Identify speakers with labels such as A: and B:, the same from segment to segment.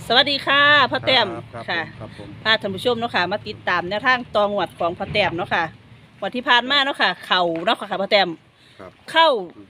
A: สวัสดีค่ะพ่อแต้ม
B: ครับ
A: ค่ะ
B: ครับผม
A: พาท่านผู้ชมเนาะค่ะมาติดตามแนวทางตองวดของพ่อแต้มเนาะค่ะวันที่ผ่านมาเนาะค่ะเข่าเนาะค่ะพ่อแต้ม
B: ครับ
A: เข้า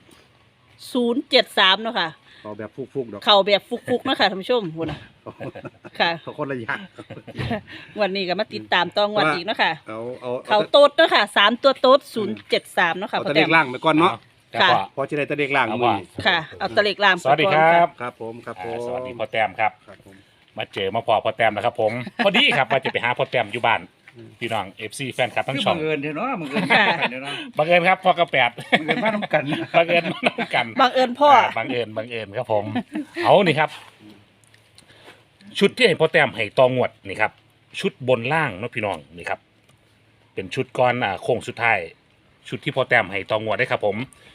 A: 073เนาะค่ะ
B: เอาแบบฟุกๆดอก
A: เข่าแบบฟุกๆเนาะค่ะท่านผู้ชมพุ่นน่ะค่ะ
B: เขาคนละอย่าง
A: วันนี้ก็มาติดตามตองวดอีกเนาะค่ะ
B: เอา
A: เข่าโต๊ดเนาะค่ะ3ตัวโต๊ด073เนาะค่ะ
B: เอา
A: พ่อ
B: ตะ
A: แต้
B: เล็
A: ม
B: กล่างไปก่อนเนาะ
A: ค่ะ
B: พอจะได้ตะเล็กล่าง
C: เอา
B: มื
C: ว่า
B: อ
A: ค่ะเอาตะเล็กลาม
C: สวัสดีครับ
B: ครับผมครับผม
C: สวัสดีพ่อแต้มครับ
B: ครับผม
C: มาเจอมาพอพ่อแต้มแล้วครับผม พอดีครับว่าจะไปหาพ่อแต้มอยู่บ้าน
B: อืม
C: พี่น้อง FC แฟนคลับทั้ง
D: คือ
C: ช่อ
D: บั
C: ง
D: งเอิญเนาะบังเอิญมากันเนาะ
C: บังเอิญครับพ่อกระแปด
D: บังเอิญมาทำกัน
C: บังเอิญมาน้ำกัน
A: บังเอิญพ่อ
C: บังเอิญครับผม เอานี่ครับ ชุดที่ให้พ่อแต้มให้ตองวดนี่ครับ ชุดบนล่างเนาะพี่น้องนี่ครับ เป็นชุดก้อนโค้งสุดท้าย ชุดที่พ่อแต้มให้ตองวดได้ครับผม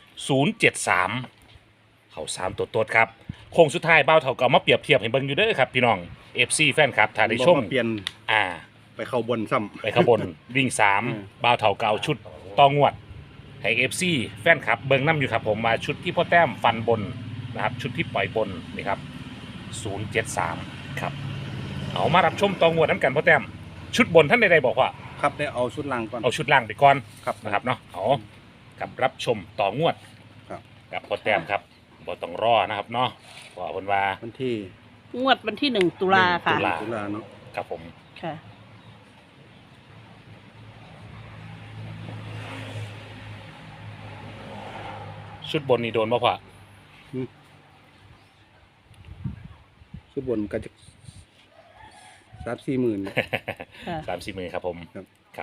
C: 073เขา3ตัวโต๊ดครับโค้งสุดท้ายเบ้าเท่ากับมาเปรียบเทียบให้เบิ่งอยู่เด้อครับพี่น้อง FC แฟนครับถ้าได้ชม
B: บอกว่าเปลี่ยน
C: อ่า
B: ไปเข้าบนซ้
C: ไปขบวนวิ่ง
B: อืม
C: 3บ่าวเท่าเก่าชุดตองวดให้ FC แฟนครับเบิ่งน้ำอยู่ครับผมมาชุดที่พ่อแต้มฟันบนนะครับชุดที่ปล่อยบนนี่ครับ073ครับเอามารับชมตองวดน้ำกันพ่อแต้มชุดบนท่านใดๆบอกว่า
B: ำครับได้เอาชุดล่างก่อน
C: เอาชุดล่างไปก่อน
B: ครับ
C: นะครับเนาะเอากับรับชมต่องวด
B: ครับ
C: กับพ่อแต้มครับบ่ต้องรอนะครับเนาะเพราะว่าเพิ่นว่า
B: วันที่
A: งวดวันที่1ตุลาค่ะ
C: ตุลา
B: ตุลาเนาะ
C: ครับผม
A: ค่ะ
C: ชุดบนนี่โดนบ่พ่อ
B: ชุดบนก็จะ3-4หมื่น
A: ค่ะ
C: 3-4 มือครับผม
B: ครับ
C: ครับ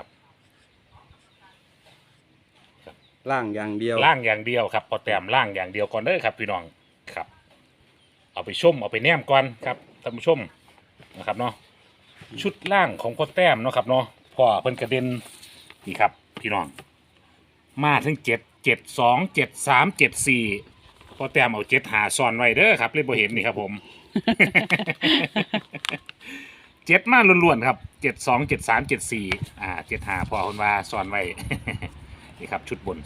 B: ล่างอย่างเดียว
C: ล่างอย่างเดียวครับพอแต้มล่างอย่างเดียวก่อนเด้อครับพี่น้องครับ เอาไปชมเอาไปแนมก่อนครับท่านผู้ชมนะครับเนาะชุดล่างของพ่อแต้มเนาะครับเนาะพ่อเพิ่นกระเด็นนี่ครับพี่น้องมาถึง7 7 2 7 3 7 4พ่อแต้มเอา7หาซ่อนไว้เด้อครับเลยบ่เห็นนี่ครับผม 7มาล้วนๆครับ7 2 7 3 7 47หาพ่อคนว่าซ่อนไว้ นี่ครับชุดบน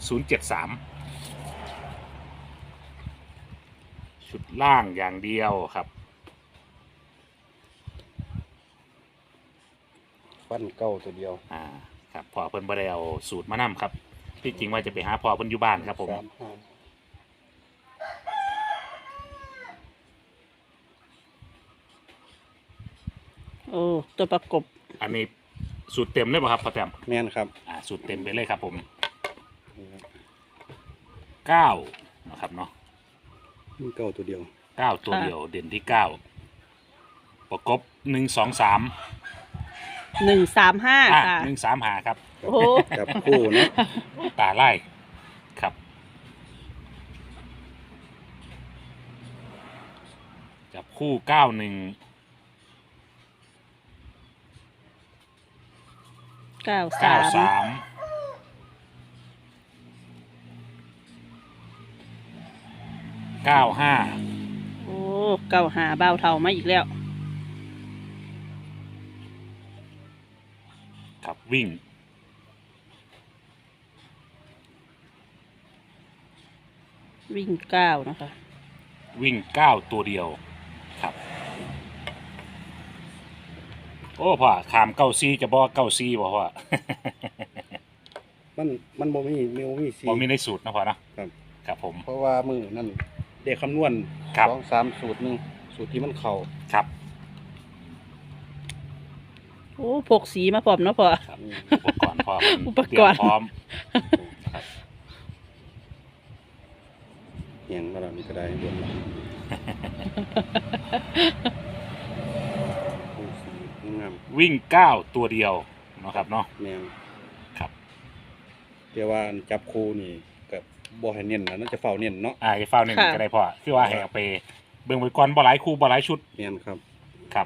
C: 073ชุดล่างอย่างเดียวครับ
B: ฟันเก้าตัวเดียว
C: ครับพ่อเพิ่นบ่ได้เอาสูตรมานำครับที่จริงว่าจะไปหาพ่อเพิ่นอยู่บ้านครับผม
A: โอ้ตัวประกบ
C: อันนี้สูตรเต็มเลยป่ะครับพ่อแต้ม
B: แม่นครับ
C: สูตรเต็มไปเลยครับผม9นะครับเนาะ
B: มันเก้าตัวเดียว
C: 9ตัวเดียวเด่นที่9ประกบ1 2 3
A: 135ค่ะ
C: 1 3หาครับ
A: โอ้โห
B: จับคู่เนาะ
C: ตาไล่ครับจับคู่91
A: 93
C: 95
A: โอ้เก้าหาเบาเท่ามาอีกแล้ว
C: ครับวิ่ง
A: วิ่งเก้านะคะ
C: วิ่ง9ตัวเดียวครับโอ้พ่อขาม94จะบอก94บ่พ่อ
B: มันบ่มีสี
C: บ่มีในสูตรนะพ่อนะครับ ครับผม
B: เพราะว่ามือนั่นเด็กคำนวณ
C: ครับ
B: 2-3สูตรหนึ่งสูตรที่มันเข่า
C: ครับ
A: โอ้พกสีมาพร้อมเนาะพ่อ
C: ครับอุปกรณ์พ่อเพิ่น
A: อุปกรณ์
C: เตยมพร้อมครับ
B: เหียงมาแล้วนี่ก็ได้บนหลังสีงาม
C: วิ่ง9ตัวเดียวเนาะครับเนาะ
B: แนว
C: ครับ
B: แต่ว่าจับคู่นี่กับบ่ให้เน้นนะน่าจะเฝ้าเน้นเนาะ
C: จะเฝ้าหนึ่ง
A: ค่ะ
C: ก็ได้พ่อคือว่าให้เอาไปเบิ่งไปก่อนบ่หลายคู่บ่หลายชุด
B: แม่นครับ
C: ครับ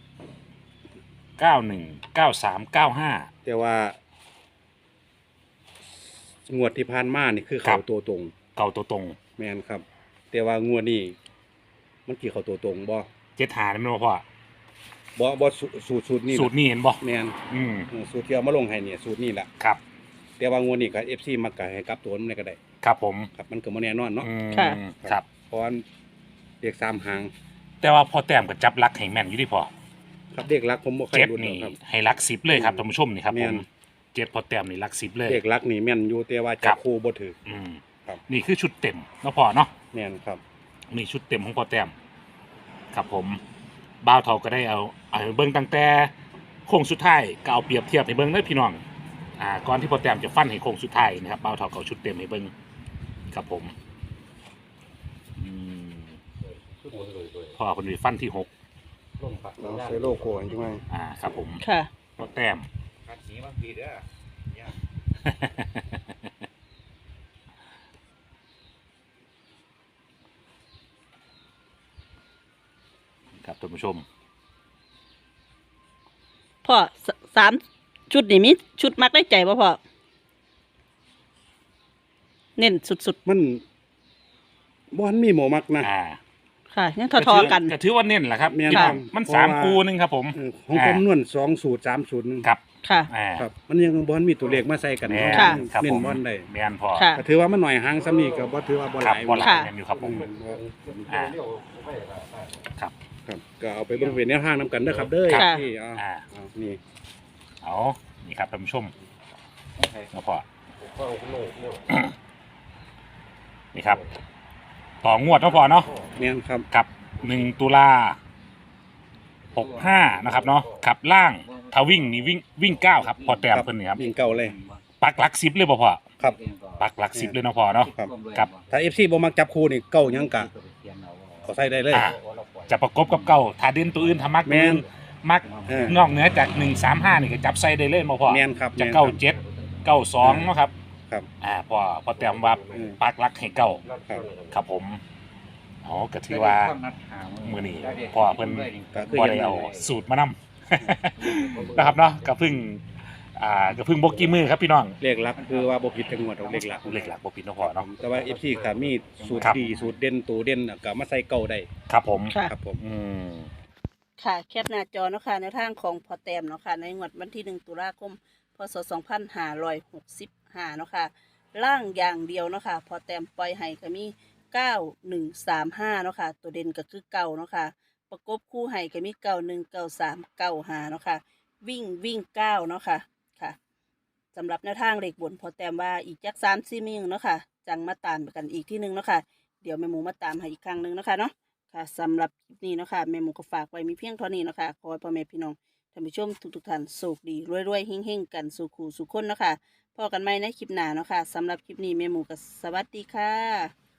C: 91 93 95
B: แต่ว่างวดที่ผ่านมานี่คือ
C: ครั
B: เข่า
C: บ
B: ตัวตรง
C: เก่าตัวตรง
B: แม่นครับ แต่ว่างวดนี้มันกี่เข่าตัวตรงบ่
C: 7หานี่แม่นบ่พ่อ
B: บ่สูตรนี่
C: สูตรนี้เห็นบ่
B: แม่น
C: อืม
B: สูตรที่เอามาลงให้เนี่ยสูตรนี่แหละ
C: ครับ
B: แต่ว่างวดนี้ก็ FC มักก็ให้กลับตัวมันได้ก็ได้
C: ครับผม
B: ครับมันก็บ่แน่นอนเนาะ
C: อืม
A: ค่ะ
C: ครับ
B: เพราะว่าเรียก3หาง
C: แต่ว่าพอแต้มก็จับลักให้แม่นอยู่ที่พอ
B: ครับเด็กรักผมบ่เคย
C: เจ็ด
B: รู้
C: นี่
B: ครับ
C: ให้ลัก10เลยครับท่านผู้ชมนี่ครับ
B: แม่
C: ผม
B: น
C: เจ็ดพอแต้มนี่ลัก10เลย
B: เด็กรักนี่แม่นอยู่แต่ว่า
C: ครั
B: จับบ คู่บ่ถือ
C: อืม
B: ครับ
C: นี่คือชุดเต็มเนาะพอเนาะ
B: แม่นครับ
C: นี่ชุดเต็มของพอแต้มครับผมบ่าวเฒ่าก็ได้เอาเบิ่งตั้งแต่โค้งสุดท้ายก็เอาเปรียบเทียบให้เบิ่งเด้อพี่น้องก่อนที่พอแต้มจะฟันให้โค้งสุดท้ายนะครับบ่าวเฒ่าก็เอาชุดเต็มให้เบิ่งครับผมอืมพอคนนี้ฟันที่6
B: เราใส่โลโก้จังไง
C: ครับผม
A: ค่ะ
C: พอแต้ม
D: ขัดหนีบางทีเด้อเนี่ย
C: ครับท่านผู้ชม
A: พ่อสามชุดนี่มีชุดมักได้ใจป่ะพ่อเน้นสุด
B: มันบ่ทันมีหมอมักนะ
A: ๆค่ะยังทอๆกัน
C: ก็ถือว่าเน้นแหละครับ
B: แม่น
A: ค่ะ
B: ครับ
C: มัน
B: เพราะว่า
C: 3 คูนึงครับผม
B: ของผมนวล2สูตร3สูตรนึง
C: ครับ
A: ค่ะ
B: ครับ มันยังบ่ทันมีตัวเลขมาใส่กัน
C: แม่
A: ค่ะ
C: ครับ
B: เน้
C: ผ
B: น
C: ม
B: บ่ทันได้
C: แม่นพอ
A: ค่ะ
B: ก็ถือว่ามันหน่อยหางซ้ำนี่ก็บ่ถือว่าบ่ห
C: ครับ
B: ลาย
C: บ่หลาย
A: ค่ะ
C: แม่นอยู่ครับผมอ่าครับ
B: ครับก็เอาไปเบิ่งเป็นแนวทางนํกันเด้อครับเด้อ
A: ค่ะ
B: ที่นี่
C: เอานี่ครับท่านผู้ชมแล้วพอนี่ครับต่องวดเนาะพอเนาะ
B: แม่นครับ
C: กับ1 ตุลา65นะครับเนาะขับล่างถ้าวิ่งนี่วิ่ง9ครับพอแต้มเพิ่นนี่ครับ
B: วิ่งเก่าเลย
C: ปักหลัก10เลยบ่พอ
B: ครับ
C: ปักหลัก10เลยเนาะพอเนาะ
B: ครับ
C: กับ
B: ถ้า FC บ่มักจับคู่นี่เก่ายังกะเขาใส่ได้เลย
C: จะประกบกับเก่าถ้าเด่นตัวอื่นถ้ามัก
B: แม่น
C: มัก
B: เออน
C: อกเหนือจาก135นี่ก็จับใส่ได้เลยบ่พอ
B: แม่นครับ
C: จะ
B: แม่น
C: เก้า
B: ครับ
C: เจ็ดเก้าสองเนาะครับ
B: ครับ
C: พอแต้มว่า
B: อืม
C: ปักหลักให้เก้า
B: ครับ
C: ครับผมอ๋อก็ถือว่า มื้อนี้พ่อเพิ่น
B: ก็คือ
C: บ่
B: ยั
C: ได้
B: ง
C: เอาสูตรมานำ นะครับเนาะก็เพิ่งบ่กี่มือครับพี่น้อง
B: เลขหลักคือว่าบ่ผิดจังหวัดเลขหลัก
C: เลขหลักบ่ผิดเนาะพ่อเนาะ
B: แต่ว่า FC ก็มีสูตร
C: ครับ
B: ดีสูตรเด่นตัวเด่นน่ะก็มาใส่เก่าได้
C: ครับผม
A: ค่ะ
B: ครับผม
C: อืม
A: ค่ะแคปหน้าจอเนาะค่ะในทางของพอแต้มเนาะค่ะในงวดวันที่1 ตุลาคม พศ 2565 เนาะค่ะล่างอย่างเดียวเนาะค่ะพอแต้มปล่อยให้ก็มี 9135 เนาะค่ะตัวเด่นก็คือเก่าเนาะค่ะประกบคู่ให้ก็มี 919395 เนาะค่ะวิ่ง9เนาะค่ะค่ะสำหรับแนวทางเลขบนพอแต้มว่าอีกจัก3-4มื้อเนาะค่ะจังมาตามกันอีกที่นึงเนาะค่ะเดี๋ยวแม่หมูมาตามให้อีกครั้งนึงเนาะค่ะเนาะ ค่ะสำหรับคลิปนี้เนาะค่ะแม่หมูก็ฝากไว้มีเพียงเท่านี้เนาะค่ะขอให้พ่อแม่พี่น้องท่านผู้ชมทุกท่านโชคดีรวยๆเฮงๆกันสู่คู่สู่คนเนาะค่ะพอกันใหม่ในคลิปหน้าเนาะค่ะสำหรับคลิปนี้แม่หมูก็สวัสดีค่ะ